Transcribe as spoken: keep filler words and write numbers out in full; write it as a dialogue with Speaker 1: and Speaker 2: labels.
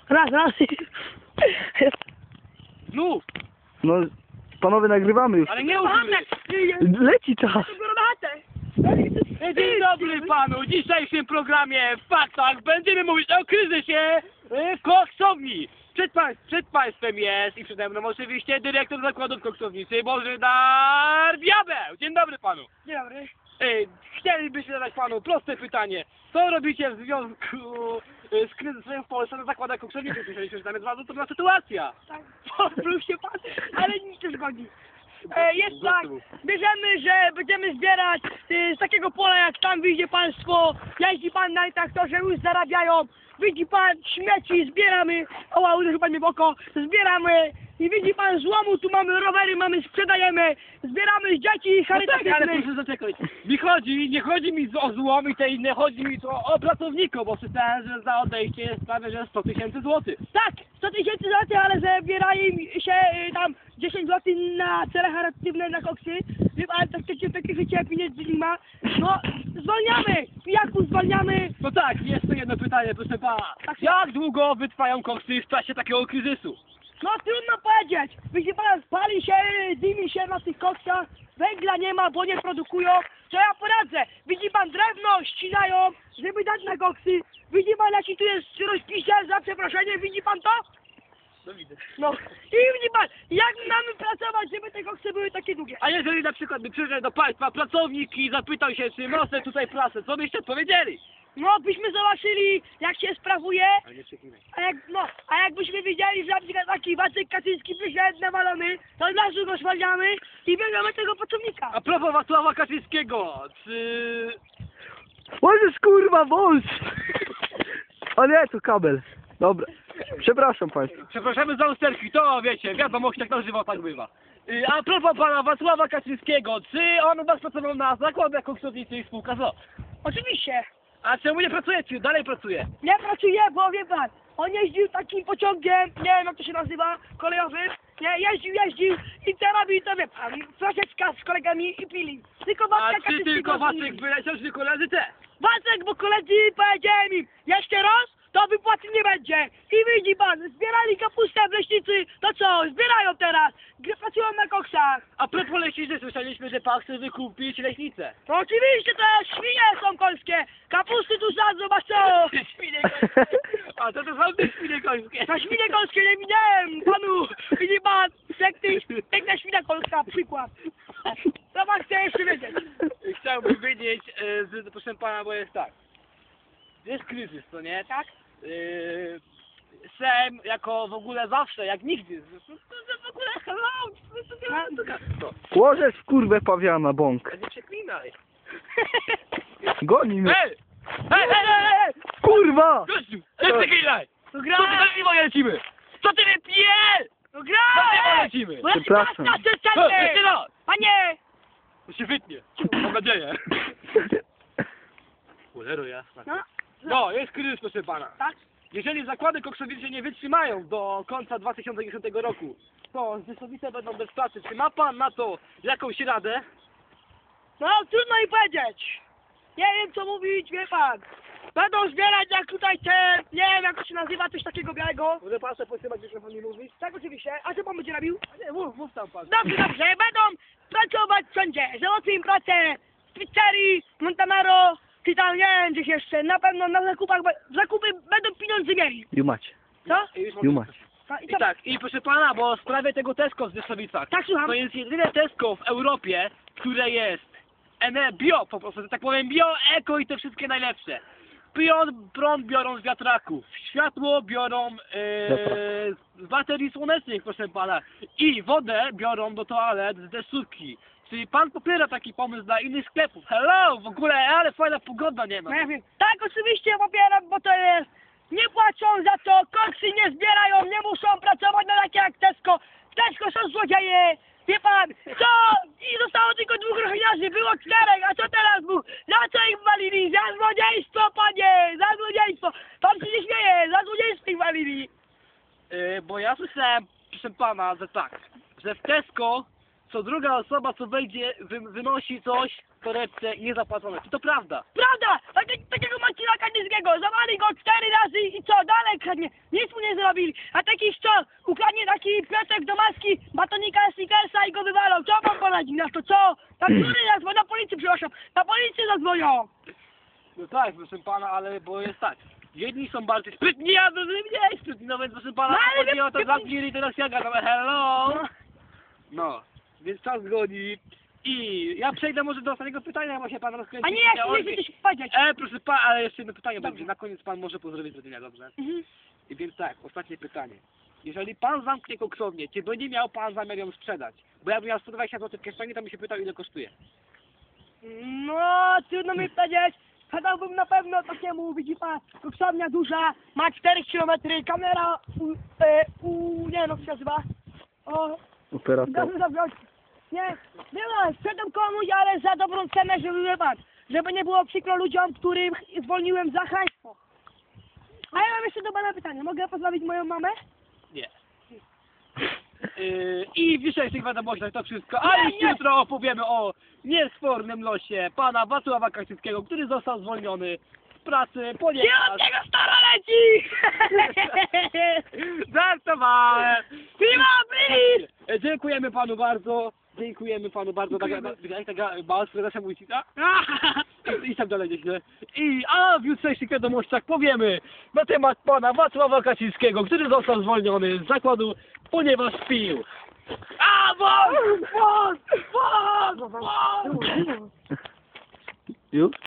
Speaker 1: Raz, raz.
Speaker 2: Znów!
Speaker 3: No, panowie, nagrywamy już.
Speaker 2: Ale nie użyj!
Speaker 3: Leci czas.
Speaker 2: Dzień dobry panu! W dzisiejszym programie w faktach będziemy mówić o kryzysie y, koksowni. Przed, pań, przed państwem jest i przede mną oczywiście dyrektor zakładów koksownicy Bożydar Diabeł. Dzień dobry panu.
Speaker 1: Dzień dobry.
Speaker 2: Y, chcielibyśmy zadać panu proste pytanie. Co robicie w związku y, z kryzysem w Polsce na zakładach koksowniczych? Myśleliśmy, że tam jest bardzo trudna sytuacja.
Speaker 1: Tak, pozwól się pan, ale nic nie zgodzi. E, jest tak, bierzemy, że będziemy zbierać y, z takiego pola, jak tam widzi państwo, jeździ pan na traktorze, już zarabiają, widzi pan śmieci, zbieramy, oła, uderzył pan mnie w oko, zbieramy i widzi pan złomu, tu mamy rowery, mamy, sprzedajemy, zbieramy z dzieci
Speaker 2: No tak, ale
Speaker 1: charytatywnych.
Speaker 2: proszę zaczekać. Mi chodzi, nie chodzi mi o złom i te inne, chodzi mi tu o pracowników, bo czytałem, że za odejście jest prawie że sto tysięcy złotych.
Speaker 1: Tak, sto tysięcy złotych, ale zabierają się y, tam dziesięć złotych na cele charytatywne, na koksy. Wie pan, tak takie, takie życie pieniędzy nie ma. No, zwalniamy! Pijaków zwalniamy!
Speaker 2: No tak, jeszcze jedno pytanie, proszę pana. Jak długo wytrwają koksy w czasie takiego kryzysu?
Speaker 1: No trudno powiedzieć. Widzi pan, spali się, dymi się na tych koksach, węgla nie ma, bo nie produkują. Co ja poradzę? Widzi pan, drewno ścinają, żeby dać na koksy. Widzi pan, jaki tu jest rozpisie, za przeproszenie, widzi pan to?
Speaker 2: No widzę.
Speaker 1: No. I widzi pan, jak mamy pracować, żeby te koksy były takie długie?
Speaker 2: A jeżeli na przykład by przyszedł do państwa pracownik i zapytał się, czy można tutaj pracę, co byście odpowiedzieli?
Speaker 1: No, byśmy zobaczyli, jak się sprawuje,
Speaker 2: Ale nie przekinaj.
Speaker 1: a jak, no, a jakbyśmy wiedzieli, że na przykład taki Wacek Kaczyński przyszedł nawalony, to od razu go zwalniamy i bierzemy tego pracownika.
Speaker 2: A propos Wacława Kaczyńskiego, czy...
Speaker 3: Możesz kurwa wąż! O nie, to kabel. Dobra. Przepraszam państwa.
Speaker 2: Przepraszamy za usterki, to wiecie, wiadomość jak na żywo tak bywa. Y, A propos pana Wacława Kaczyńskiego, czy on u was pracował na zakładach koksowniczych i spółka z o?
Speaker 1: Oczywiście,
Speaker 2: A czemu nie pracujecie? Dalej pracuje.
Speaker 1: nie pracuje, bo wie pan, on jeździł takim pociągiem, nie wiem jak to się nazywa, kolejowym, nie, jeździł, jeździł i co robi, to wie pan, troszeczkę z kolegami i pili. Tylko
Speaker 2: A
Speaker 1: Wacka
Speaker 2: czy
Speaker 1: Kaczyńskiego
Speaker 2: tylko
Speaker 1: nie
Speaker 2: Wacek
Speaker 1: widzi.
Speaker 2: wyleciał, czy koledzy te?
Speaker 1: Wacek, bo koledzy powiedziałem im, jeszcze raz, to wypłaty nie będzie. I widzi pan, zbierali kapustę w leśnicy, to co, zbierają teraz, gdy pracują na koksach.
Speaker 2: A propos leśnicy, słyszeliśmy, że pan chce wykupić leśnicę.
Speaker 1: No oczywiście, to świnie są polskie, kapusty tu sadzą, a co?
Speaker 2: Świnie końskie. A to to są te świnie końskie.
Speaker 1: Na świnie polskie nie widziałem, panu, widzi pan, piękny, piękna świnia polska, przykład. Co pan chce jeszcze wiedzieć?
Speaker 2: Chciałbym wiedzieć, e, z, proszę pana, bo jest tak. Jest kryzys, to nie?
Speaker 1: Tak?
Speaker 2: Yy, Sejm jako w ogóle zawsze, jak nigdy. To, to, to w ogóle hello, to, to, to, to, to.
Speaker 3: Łożesz w kurwę pawiana, bąk.
Speaker 2: Nie przeklinaj.
Speaker 3: Goni mnie.
Speaker 2: Hej! Hej, hej, hej, hej!
Speaker 3: Kurwa!
Speaker 2: Gościu, nie przeklinaj!
Speaker 1: No
Speaker 2: Co ty
Speaker 1: gra,
Speaker 2: za piwo lecimy? Co ty wypijesz?
Speaker 1: no gra,
Speaker 2: Co ty
Speaker 1: ej!
Speaker 2: lecimy?
Speaker 1: Bo ja ci
Speaker 3: Przepraszam.
Speaker 1: teraz
Speaker 2: Hej,
Speaker 1: czasem
Speaker 2: jeszcze raz!
Speaker 1: Panie!
Speaker 2: To się wytnie. Mam nadzieję. Cholero jasna.
Speaker 1: No,
Speaker 2: No, jest kryzys, proszę pana.
Speaker 1: tak?
Speaker 2: Jeżeli zakłady koksownicze nie wytrzymają do końca dwa tysiące dziesiątego roku, to Zysłowice będą bez pracy. Czy ma pan na to jakąś radę?
Speaker 1: No, trudno mi powiedzieć. Nie wiem co mówić, wie pan. Będą zbierać jak tutaj te, nie wiem jak to się nazywa, coś takiego białego.
Speaker 2: Może pan sobie potrzymać mikrofon i mówić?
Speaker 1: Tak oczywiście. A co pan będzie robił?
Speaker 2: Nie, mów, mów tam pan.
Speaker 1: Dobrze, dobrze. Będą pracować wszędzie. Załatwię im pracę w pizzerii, Montanaro, czy tam nie wiem gdzieś jeszcze. Na pewno na zakupach, be- zakupy będą pieniądze mieli.
Speaker 3: Jumać.
Speaker 1: Co?
Speaker 2: I już mam-
Speaker 3: Jumać.
Speaker 1: A, i
Speaker 2: I
Speaker 1: co?
Speaker 2: tak, i proszę pana, bo w sprawie tego Tesco w Zysłowicach.
Speaker 1: Tak, słucham.
Speaker 2: To jest jedyne Tesco w Europie, które jest ene bio, po prostu, że tak powiem, bio, eko i te wszystkie najlepsze. Prąd, prąd biorą z wiatraków, światło biorą e, z baterii słonecznych, proszę pana. I wodę biorą do toalet z deszczówki. Czyli pan popiera taki pomysł dla innych sklepów. Hello, w ogóle, ale fajna pogoda nie ma.
Speaker 1: No ja wiem. Tak, oczywiście popieram, bo to jest... Nie płacą za to, koksy nie zbierają, nie muszą pracować na takie jak Tesco. W Tesco są złodzieje. Wie pan, co? I zostało tylko dwóch ochroniarzy, było czterech, a co teraz był? Za co ich walili? Za złodziejstwo, panie! Za złodziejstwo! Pan się nie śmieje, za złodziejstwo ich walili.
Speaker 2: Yy, bo ja słyszałem, proszę pana, że tak, że w Tesco co druga osoba co wejdzie, wy, wynosi coś torebce niezapłacone. Czy to prawda?
Speaker 1: Prawda! Takie, takiego Marcina Kanińskiego, zawali go cztery razy i co, dalej kradnie, nic mu nie zrobili. A taki co, ukradnie taki Piotrek do maski, batonika Snickersa i go wywalą. Co pan poradzi na to, co? Na który raz, bo na policję przepraszam, na policję zadzwonią.
Speaker 2: No tak, proszę pana, ale bo jest tak. Jedni są bardziej sprytni, a drudzy mniej sprytni, no więc proszę pana,
Speaker 1: No, ale
Speaker 2: chodzi
Speaker 1: wie-
Speaker 2: o to
Speaker 1: wie-
Speaker 2: zamknij i teraz ja gadam, hello!
Speaker 1: No.
Speaker 2: No, więc czas goni. I ja przejdę może do ostatniego pytania, bo się pan rozkręcił.
Speaker 1: A nie, ja chcę jeszcze coś powiedzieć.
Speaker 2: E, proszę pana, ale jeszcze jedno pytanie
Speaker 1: Dobrze.
Speaker 2: będzie. Na koniec pan może pozdrowić rodzina, dobrze?
Speaker 1: Mhm.
Speaker 2: I więc tak, ostatnie pytanie. Jeżeli pan zamknie koksownię, czy będzie miał pan zamiar ją sprzedać? Bo ja bym miał sto dwadzieścia złotych w kieszeni, to mi się pytał, ile kosztuje.
Speaker 1: No, trudno mi powiedzieć. Sprzedałbym na pewno takiemu, widzi pan, koksownia duża, ma cztery kilometry, kamera u, e, u, nie no, jak się nazywa? O,
Speaker 3: Operator.
Speaker 1: Dobrze, dobrze. Nie, nie no, sprzedam komuś, ale za dobrą cenę, żeby wie pan, żeby nie było przykro ludziom, którym zwolniłem za haństwo. A ja mam jeszcze do pana pytanie. Mogę pozdrowić moją mamę?
Speaker 2: Nie. Yy, I w dzisiejszych wiadomościach to wszystko, a
Speaker 1: Nie,
Speaker 2: już
Speaker 1: nie.
Speaker 2: jutro opowiemy o niesfornym losie pana Wacława Kaczyńskiego, który został zwolniony z pracy,
Speaker 1: Nie
Speaker 2: ponieważ...
Speaker 1: od tego stara leci!
Speaker 2: Żartowałem!
Speaker 1: Piwa, please!
Speaker 2: E, Dziękujemy panu bardzo. Dziękujemy panu bardzo. Tak, jak taka mała sprzedaż amunicja. I tak dalej nieźle. I a w jutrzejszych wiadomościach powiemy na temat pana Wacława Kaczyńskiego, który został zwolniony z zakładu, ponieważ pił. A wąs! Wąs! Wąs! Wąs!
Speaker 3: Już?